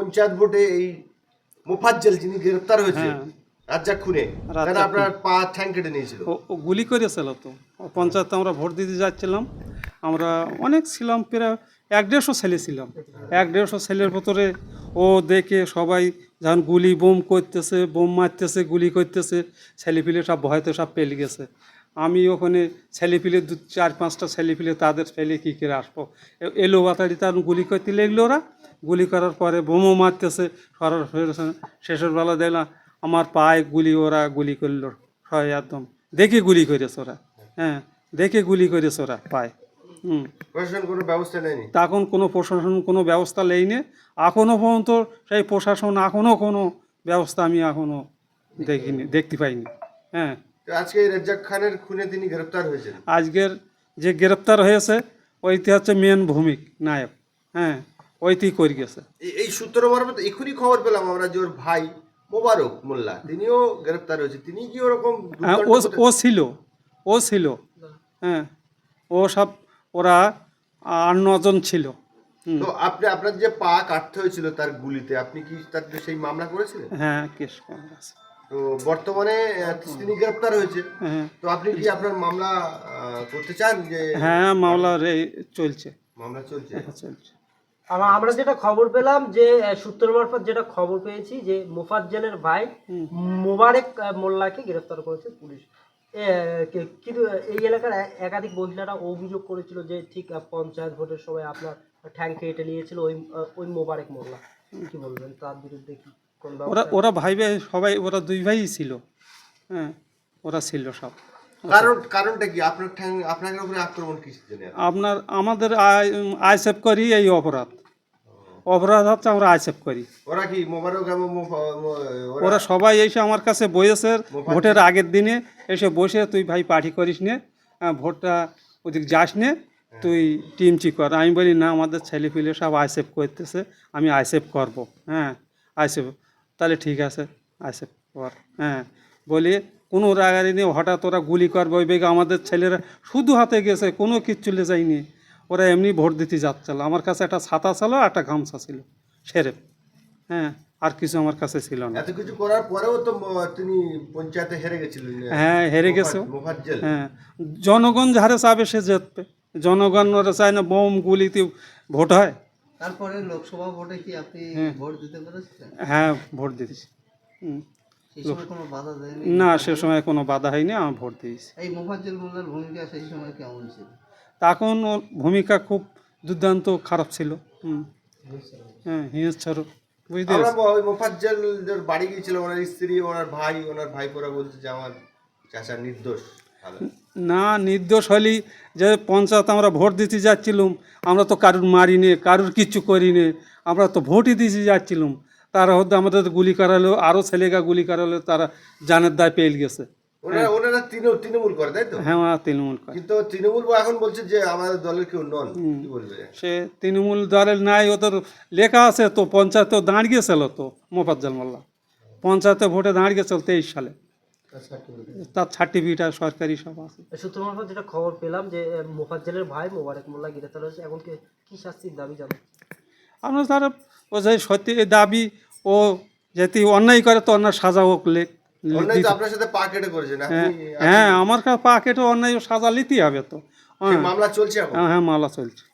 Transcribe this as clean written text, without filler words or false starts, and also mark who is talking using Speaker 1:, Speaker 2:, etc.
Speaker 1: পঞ্চায়েত ভোটে এই মোফাজ্জল যিনি গ্রেফতার হয়েছে রাজ্জাক খুনে, তারা আপনার পা ঠ্যাং কেটে নিয়েছিল।
Speaker 2: ও গুলি করেছিল তো। পঞ্চায়েতে আমরা ভোট দিতে যাচ্ছিলাম, আমরা অনেক ছিলাম, প্রায় 150 ছেলে ছিলাম। 150 ছেলের ভিতরে ও দেখে সবাই যখন গুলি বোম করতেছে, বোম মারতেছে, গুলি করতেছে, ছেলেপিলে সব ভয়তে সব পেলে গেছে। আমি ওখানে ছেলেপিলে 4-5টা ছেলেপিলে তাদের ফেলে কী করে আসবো, এলো বাতাড়ি তার গুলি করতে লেগলো। ওরা গুলি করার পরে বোমও মারতেছে, শেষের বেলা দেখলাম আমার পায়ে গুলি, ওরা গুলি করলো সবাই একদম দেখে গুলি করেছে ওরা। হ্যাঁ, দেখে গুলি করেছে ওরা পায়ে।
Speaker 1: প্রশাসন কোনো ব্যবস্থা নেয়নি
Speaker 2: তখন কোনো প্রশাসন কোনো ব্যবস্থা নেয়নি এখনও পর্যন্ত। সেই প্রশাসন এখনও কোনো ব্যবস্থা আমি এখনও দেখিনি, দেখতে পাইনি। হ্যাঁ,
Speaker 1: আজকে এই রাজ্জাক খানের খুনে তিনি গ্রেফতার হয়েছেন।
Speaker 2: আজকের যে গ্রেপ্তার হয়েছে ওইটি হচ্ছে মেন ভূমিক নায়ক। হ্যাঁ, ওইটি করে গেছে।
Speaker 1: এই সূত্র মারফত এখনই খবর পেলাম আমরা যে ওর ভাই মোবারক মোল্লা তিনিও গ্রেফতার হয়েছে। তিনি কি ওরকম
Speaker 2: হ্যাঁ, ও ছিল। হ্যাঁ, ও সব ওরা 8-9 জন ছিল।
Speaker 1: তো আপনার যে পা কাটতে হয়েছিল তার গুলিতে, আপনি কি তার সেই মামলা করেছিলেন?
Speaker 2: হ্যাঁ, কেস করা আছে।
Speaker 1: তো বর্তমানে তিনি গ্রেফতার হয়েছে।
Speaker 2: হ্যাঁ,
Speaker 1: তো আপনি কি আপনার মামলা করতে চান? যে
Speaker 2: হ্যাঁ, মামলা চলছে।
Speaker 1: মামলা চলছে।
Speaker 2: চলছে।
Speaker 3: আমরা যেটা খবর পেলাম যে সূত্র মারফত যেটা খবর পেয়েছি যে মোফাজ্জলের ভাই মোবারক মোল্লাকে গ্রেফতার করেছে পুলিশ। কিন্তু এই এলাকার একাধিক মহিলারা অভিযোগ করেছিল যে ঠিক পঞ্চায়েত ভোটের সময় আপনার ঠ্যাং কেটে নিয়েছিল ওই মোবারক মোল্লা। কি বলবেন তার বিরুদ্ধে? কি
Speaker 2: ওরা ভাই ভাই সবাই, ওরা 2 ভাই ছিল। হ্যাঁ, ওরা ছিল সব।
Speaker 1: কারণটা কি? আপনার ঠ্যাং আপনার উপরে আক্রমণ কিসের জন্য?
Speaker 2: আমাদের আইসেফ করি এই অপরাধ হচ্ছে আমরা আইসেফ করি।
Speaker 1: ওরা কি মোবারক এবং
Speaker 2: ওরা সবাই এসে আমার কাছে বসেছে ভোটের আগের দিনে, এসে বসে তুই ভাই পার্টি করিস নে, ভোটটা ওদিক যাস নে, তুই টিমচি কর। আমি বলি না, আমাদের ছেলেপিলে সব আইসেফ করতেছে, আমি আইসেফ করবো। হ্যাঁ, আইসেফ, তাহলে ঠিক আছে আইসেফ কর। হ্যাঁ, বলি কোনো রাগারি নিয়ে হঠাৎ ওরা গুলি করবে ওই বেগে। আমাদের ছেলেরা শুধু হাতে গেছে, কোনো কিচ্ছু লে যায়নি। ওরা এমনি ভোট দিতে যাচ্ছিল। আমার কাছে একটা ছাতা ছিল, একটা গামছা ছিল সেরেপ। হ্যাঁ, আর কিছু আমার কাছে ছিল না।
Speaker 1: এত কিছু করার পরেও তো তিনি পঞ্চায়েতে হেরে গেছিলেন।
Speaker 2: হ্যাঁ, হেরে গেছে।
Speaker 1: মোফাজ্জল।
Speaker 2: হ্যাঁ, জনগণ যারে চাবে সে জিতবে। জনগণ ওরা চায় না বোম গুলিতে ভোট হয়।
Speaker 4: তারপরে লোকসভা ভোটে কি আপনি ভোট দিতে পেরেছিলেন?
Speaker 2: হ্যাঁ, ভোট দিয়েছি।
Speaker 4: সেই সময় কোনো বাধা দেয়নি?
Speaker 2: না, সে সময় কোনো বাধা হয়নি, আমি ভোট দিয়েছি।
Speaker 4: এই মোফাজ্জল মোল্লার ভূমিকা সেই সময় কেমন ছিল?
Speaker 2: তখন ওর ভূমিকা খুব দুর্দান্ত খারাপ ছিল। হ্যাঁ, হিংস্র, বুঝতে
Speaker 1: আমরা ওই মোফাজ্জলের বাড়ি গিয়েছিলাম, ওনার স্ত্রী, ওনার ভাই, ওনার ভাইপোরা বলছে যে আমার চাচা নির্দোষ।
Speaker 2: না, নির্দোষ হলেই যে পঞ্চায়েত আমরা ভোট দিতে যাচ্ছিলাম, আমরা তো কারুর মারিনি, কারুর কিচ্ছু করিনি, আমরা তো ভোটই দিতে যাচ্ছিলাম। তারা হয়তো আমাদের গুলি করালো, আরও ছেলেগা গুলি করালো, তারা জানের দায় পেয়ে গেছে।
Speaker 1: ওনারা তৃণমূল করে, তাই তো?
Speaker 2: হ্যাঁ, তৃণমূল করে।
Speaker 1: কিন্তু তৃণমূল এখন বলছে যে আমাদের দলের কেউ নন। কি বলবে?
Speaker 2: সে তৃণমূল দলের নাই, ওদের লেখা আছে তো, পঞ্চায়েতে দাঁড়িয়েছিল তো মোফাজ্জল মোল্লা, পঞ্চায়েতে ভোটে দাঁড়িয়েছিল 23 সালে, তার সার্টিফিকেট আর সরকারি সব আছে।
Speaker 3: সূত্র মারফত যেটা খবর পেলাম যে মোফাজ্জলের ভাই মোবারক মোল্লা গ্রেফতার হয়েছে। এখন কি শাস্তির দাবি জানেন?
Speaker 2: আমরা তারা ও যে সত্যি দাবি, ও যদি অন্যায় করে তো অন্যায় সাজা হোক।
Speaker 1: আপনার সাথে পা কেটে করেছেন?
Speaker 2: হ্যাঁ, আমার কাছে পা কেটে অন্যায় সাজা নিতেই হবে তো।
Speaker 1: মামলা চলছে এখন?
Speaker 2: হ্যাঁ, মামলা চলছে।